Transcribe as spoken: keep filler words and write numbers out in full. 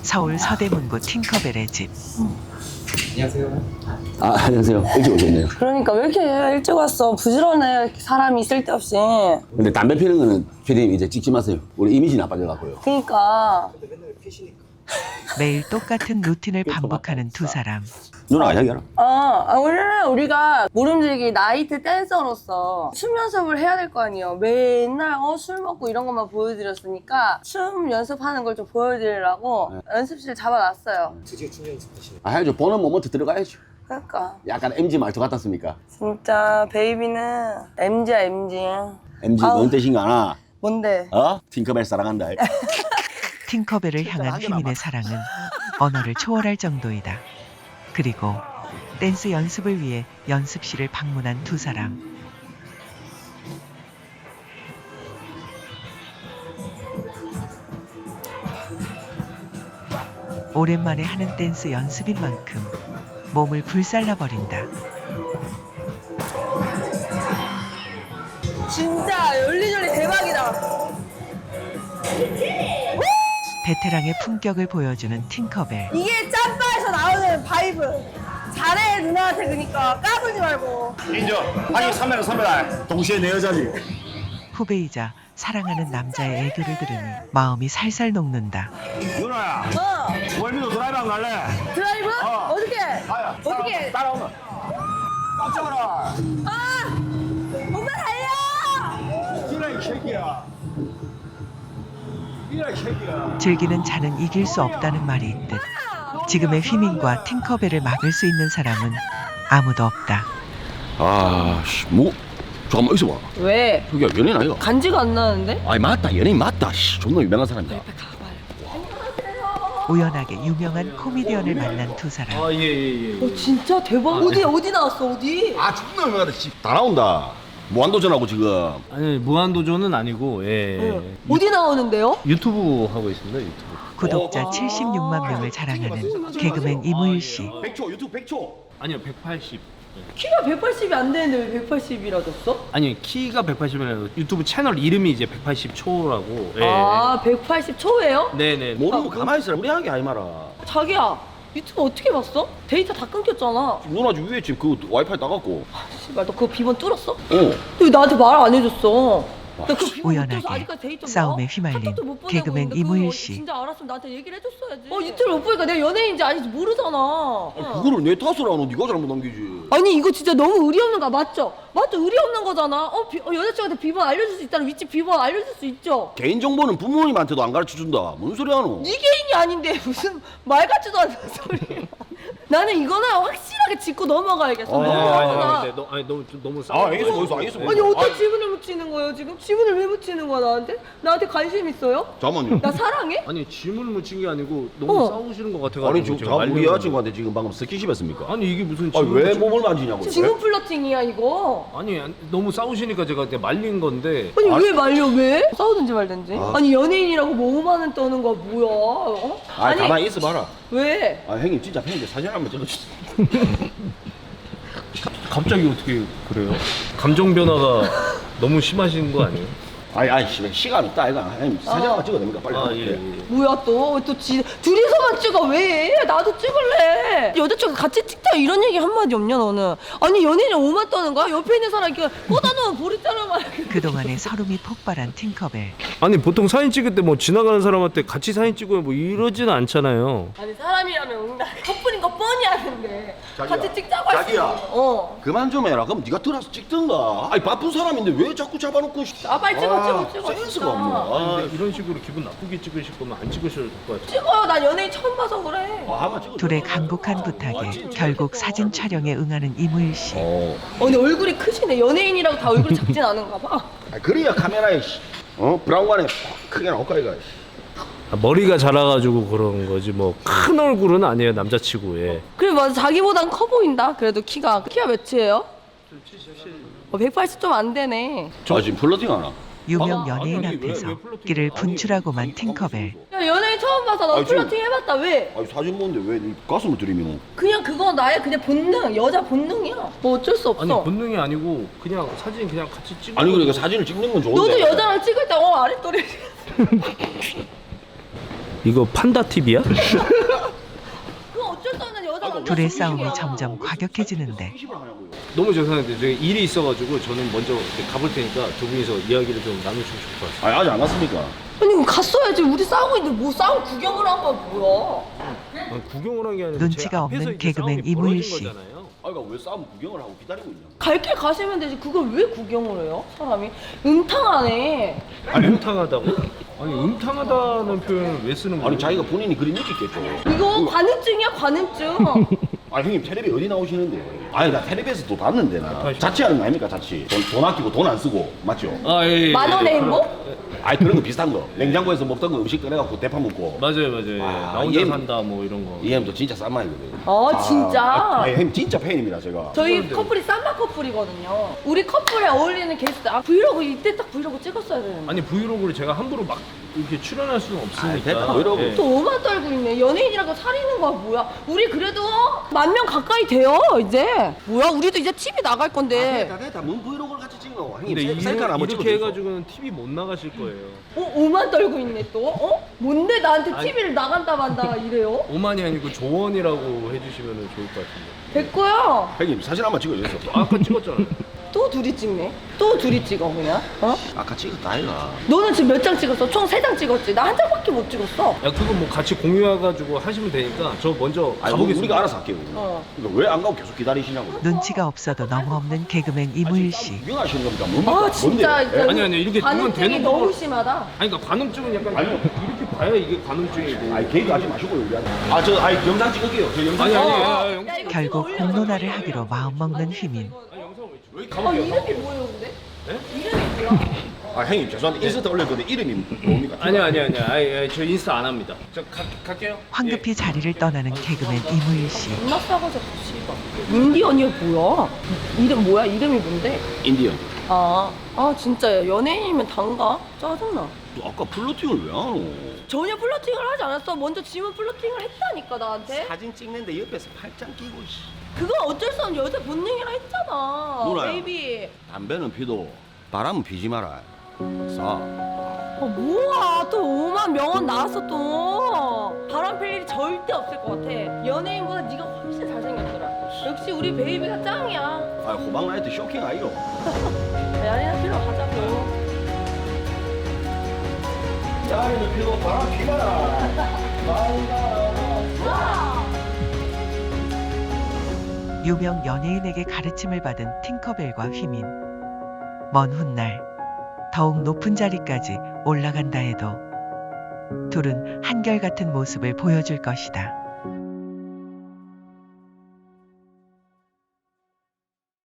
서울 서대문구 팅커벨의 집. 안녕하세요. 아, 안녕하세요. 일찍 오셨네요. 그러니까 왜 이렇게 일찍 왔어? 부지런해. 이렇게 사람이 쓸데없이. 근데 담배 피는 거는 피디님 이제 찍지 마세요. 우리 이미지 나빠져갖고요. 그러니까. 매일 똑같은 루틴을 반복하는 두 사람. 누나가 이야기하라. 어, 아, 원래는 우리가 모름지기 나이트 댄서로서 춤 연습을 해야 될 거 아니에요. 맨날 어, 술 먹고 이런 것만 보여드렸으니까 춤 연습하는 걸 좀 보여드리려고 네. 연습실 잡아놨어요. 드디어 춤 연습하시네. 아, 해야죠. 보는 모먼트 들어가야죠. 그러니까 약간 엠지 말투 같았습니까? 진짜 베이비는 엠지야 엠지. 엠지 아우. 뭔 뜻인가 하나? 뭔데? 어? 팅커벨 사랑한다. 팅커벨을 향한 휘민의 사랑은 언어를 초월할 정도이다. 그리고 댄스 연습을 위해 연습실을 방문한 두 사람. 오랜만에 하는 댄스 연습인 만큼 몸을 불살라버린다. 진짜 열리열리 대박이다. 베테랑의 품격을 보여주는 팅커벨. 이게 짬바에서 나오는 바이브. 잘해 누나한테 그니까 까불지 말고. 인정. 아니, 선배는 선배다. 동시에 내 여자지. 후배이자 사랑하는 남자의 애교를 들으니 마음이 살살 녹는다. 누나야. 어 월미도 드라이브 안 갈래? 드라이브? 어. 어떻게? 아야. 어떻게? 따라오면. 깜짝아라. 아! 오빠 달려! 이라 이 새끼야. 이라 이 새끼야. 즐기는 자는 이길 수 없다는 말이 있듯 지금의 휘민과 팅커벨을 막을 수 있는 사람은 아무도 없다. 아, 씨, 뭐? 잠깐만 있어봐. 왜? 저기야 연예인 아이가? 간지가 안 나는데? 아니 맞다, 연예인 맞다. 씨, 존나 유명한 사람이다. 우연하게 유명한 코미디언을 만난 두 사람. 아, 예, 예, 예. 어 진짜 대박. 어디 어디 나왔어 어디? 아, 존나 유명하다. 씨, 다 나온다. 무한도전하고 지금. 아니, 무한도전은 아니고, 예. 어디 나오는데요? 유튜브 하고 있습니다, 유튜브. 구독자 어. 칠십육만 명을 자랑하는 개그맨 이무일 씨. 백 초 유튜브 백 초. 아니요, 백팔십. 키가 백팔십이 안 되는데 왜 백팔십이라 줬어? 아니, 키가 백팔십이라고 유튜브 채널 이름이 이제 백팔십 초라고. 예. 아 백팔십 초예요? 네네. 모르면 가만히 있어라. 우리 하게 하지 마라. 자기야 유튜브 어떻게 봤어? 데이터 다 끊겼잖아. 누나 집 위에 지금 그 와이파이 따갖고. 씨발 너 그거 비번 뚫었어? 어. 왜 나한테 말 안 해줬어? 나 그거 비번 못 우연하게 뚫어서 아직까지 데이터 싸움에 나와? 휘말린 카톡도 못 보내고 개그맨 있는데 이무일 그거 씨. 진짜 알았으면 나한테 얘기를 해줬어야지. 어 유튜브 못 보니까 내가 연예인인지 아닌지 모르잖아. 아, 그거를 내 탓을 안 하고 네가 잘못 남기지. 아니 이거 진짜 너무 의리 없는 거 맞죠? 맞죠? 의리 없는 거잖아. 어, 비, 어 여자친구한테 비번 알려줄 수 있다는 위치 비번 알려줄 수 있죠? 개인정보는 부모님한테도 안 가르쳐준다. 뭔 소리 하노? 네 개인이 아닌데 무슨 말 같지도 않은 소리야. 나는 이거는 확실하게 짚고 넘어가야겠어. 어, 너무 아니, 아니, 화나. 아니, 너, 아니, 너무, 좀 너무 아, 알겠어, 알겠어, 알겠어. 아니 어떤 아니, 지분을 묻히는 거예요 지금? 지분을 왜 묻히는 거야 나한테? 나한테 관심 있어요? 잠깐만요. 나 사랑해? 아니, 질문을 묻힌 게 아니고 너무 어. 싸우시는 것 같아가지고. 아니 지금 제가 자 우리 말려고. 여자친구한테 지금 방금 스킨십 했습니까? 아니, 이게 무슨 아니 왜 질문- 몸을 만지냐고. 지분 플러팅이야 이거. 아니, 아니, 너무 싸우시니까 제가 그냥 말린 건데. 아니 아, 왜 말려 왜? 싸우든지 말든지. 아. 아. 니 연예인이라고 뭐 오만 원 떠는 거 뭐야? 어? 아, 가만히 있어봐라. 왜? 아, 형님 진짜 팬인데 사진 한번 찍어주세요. 갑자기 어떻게 그래요? 감정 변화가 너무 심하신 거 아니에요? 아니, 아니, 씨, 시간 있다, 이거. 형님 사진 한번 찍어도 됩니까? 빨리. 아, 예, 네. 예. 뭐야 또? 또 지, 둘이서만 찍어 왜? 나도 찍을래. 여자친구 같이 찍자 이런 얘기 한마디 없냐 너는? 아니 연예인이 오만 떠는 거야? 옆에 있는 사람 이렇게 꽂아놓으면 보리자루만 그동안의 서름이 폭발한 팅커벨. 아니, 보통 사진 찍을 때 뭐 지나가는 사람한테 같이 사진 찍으면 뭐 이러지는 않잖아요. 아니 사람이라면 응다 커플인 거 뻔히 아는데 자기야, 같이 찍자고 할 자기야. 수 있어. 어. 그만 좀 해라. 그럼 네가 들어서 찍든가. 아니 바쁜 사람인데 왜 자꾸 잡아놓고. 씨. 아 빨리 찍어 찍어 찍어. 센스가 진짜. 없네. 아, 근데 이런 식으로 기분 나쁘게 찍으실 거면 안 찍으셔도 될 것 같아요. 찍어요. 난 연예인 처음 봐서 그래. 아, 한번 찍어. 둘의 간곡한 부탁에 결국 사진 촬영에 응하는 이무일 씨. 어. 어 근데 얼굴이 크시네. 연예인이라고 다 얼굴이 작진 않은가 봐. 아, 그래야 카메라에 씨. 어 브라운관에 크게 나올까 이거. 아, 머리가 자라가지고 그런 거지 뭐 큰 얼굴은 아니에요, 남자치고. 예. 그래 맞아 자기보단 커 보인다. 그래도 키가 키가 몇이에요? 어, 백팔십 좀 안 되네. 아 지금 플러팅 하나? 유명 아, 연예인 아니, 왜, 앞에서 왜 플러팅을- 끼를 아니, 분출하고만 아니, 팅커벨. 야 연예인 처음 봐서 너 아니, 지금- 플러팅 해봤다 왜? 아니 사진 보는데 왜네 가슴을 들이미노? 그냥 그건 나의 그냥 본능 여자 본능이야. 뭐 어쩔 수 없어. 아니, 본능이 아니고 그냥 사진 그냥 같이 찍어. 아니 그러니까 사진을 찍는 건 좋은데. 너도 여자랑 찍을 때 어 아랫도리 이거 판다 팁이야? 그 어쩔 수 없는 여자가 둘의 싸움이 점점 과격해지는데 너무 죄송한데 저희 일이 있어가지고 저는 먼저 이렇게 가볼 테니까 두 분이서 이야기를 좀 나누시면 좋을 것 같아요. 아 아직 안 갔습니까? 아니 그럼 갔어야지. 우리 싸우고 있는데 뭐 싸움 구경을 한 건 뭐야? 아니, 구경을 한 게 아니라 눈치가 제 앞에서 없는 이제 개그맨 싸움이 이무일 벌어진 씨. 거잖아요. 아이가 왜 싸움 구경을 하고 기다리고 있냐? 갈 길 가시면 되지. 그걸 왜 구경을 해요? 사람이 음탕하네. 아니 음탕하다고? 아니 음탕하다는 표현을 왜 쓰는 거예요? 아니 자기가 본인이 그림 느꼈겠죠. 이거 관음증이야 관음증. 아 형님 텔레비 어디 나오시는데? 아니 나 텔레비에서 또 봤는데 나 아, 자취하는 거 아닙니까 자취? 돈, 돈 아끼고 돈 안 쓰고 맞죠? 아, 예, 예, 만 원의 예, 행복? 아니 그런 거 비슷한 거 냉장고에서 먹던 거 음식 꺼내갖고 대파 먹고 맞아요 맞아요. 아, 나 혼자 얘는- 산다 뭐 이런 거. 이 형도 진짜 싼 말이거든. 어 진짜. 아, 아니 형님 진짜 팬입니다 제가. 저희 그런데. 커플이 쌈바 커플이거든요. 우리 커플에 어울리는 게스트. 아 브이로그 이때 딱 브이로그 찍었어야 되는데. 아니 브이로그를 제가 함부로 막 이렇게 출연할 수는 없으니까. 아이, 됐다, 브이로그. 예. 또 오만 떨고 있네. 연예인이라고 살리는 거야 뭐야? 우리 그래도 만 명 가까이 돼요 이제. 뭐야? 우리도 이제 티비 나갈 아, 건데. 됐다 됐다 뭔 브이로그를 같이 찍노? 근데 형님 셀- 이렇게, 셀카를 한번 이렇게 찍어줘. 해가지고는 티비 못 나가실 거예요. 어 오만 떨고 있네 또. 어? 뭔데 나한테 아니. 티비를 나간다 만다 이래요? 오만이 아니고 조원이라고 해주시면 좋을 것 같은데. 됐고요. 형님 사진 한번 찍어주세요. 아까 찍었잖아요. 또 둘이 찍네. 또 둘이 찍어 그냥. 어? 아까 찍었다 아이가. 너는 지금 몇 장 찍었어? 총 세 장 찍었지. 나 한 장밖에 못 찍었어. 야 그거 뭐 같이 공유해가지고 하시면 되니까 저 먼저 아니 가보겠습니다. 우리가 알아서 할게요. 어. 그러니까 왜 안 가고 계속 기다리시냐고. 눈치가 없어도 너무 없는 개그맨 이무일 씨. 구경하시는 겁니까? 뭡니까? 아 진짜. 뭔데요? 예? 아니, 아니, 이렇게 눈은 관음증이 대놓고 너무 뭘- 심하다. 아니 그러니까 관음증은 약간 아니요. 이렇게 봐야 이게 관음증이고. 아니 개그 하지 마시고요 우리한테. 아저 아니 영상 찍을게요. 저 영상. 아니, 아니, 어, 아니, 어. 아니, 야, 이거 결국 찍어 올려. 공론화를 하기로 마음먹는 휘민. 아니 영상을 왜 어 가볼게요. 이름이 뭐예요 근데? 네? 이름이 뭐야? 아 형님 죄송한데 인스타 올릴 건데 이름이 뭡니까? 아니요 아니요 아니요. 아니, 아니 저 인스타 안 합니다. 저 가, 갈게요. 황급히 자리를 떠나는 개그맨 이무일 씨. 존나 싸가지고 씨발. 인디 언니가 뭐야? 이름 뭐야? 이름이 뭔데? 인디언. 아, 아 진짜 연예인이면 단가? 짜증나. 너 아까 플러팅을 왜 안 하노? 전혀 플러팅을 하지 않았어. 먼저 지문 플러팅을 했다니까 나한테. 사진 찍는데 옆에서 팔짱 끼고 씨. 그건 어쩔 수 없는 여자 본능이라 했잖아. 누나야. 베이비. 담배는 피도 바람은 피지 마라. 싸. 아 뭐야 또 오만 명언 나왔어 또. 바람 필 일이 절대 없을 것 같아. 연예인보다 네가 훨씬 잘생겼더라. 역시 우리 베이비가 짱이야. 아 호박 라이트 쇼킹 아이요. 야리나 필러 가자고. 야리는 피도 바람 피마라. 유명 연예인에게 가르침을 받은 팅커벨과 휘민. 먼 훗날 더욱 높은 자리까지 올라간다 해도 둘은 한결같은 모습을 보여줄 것이다.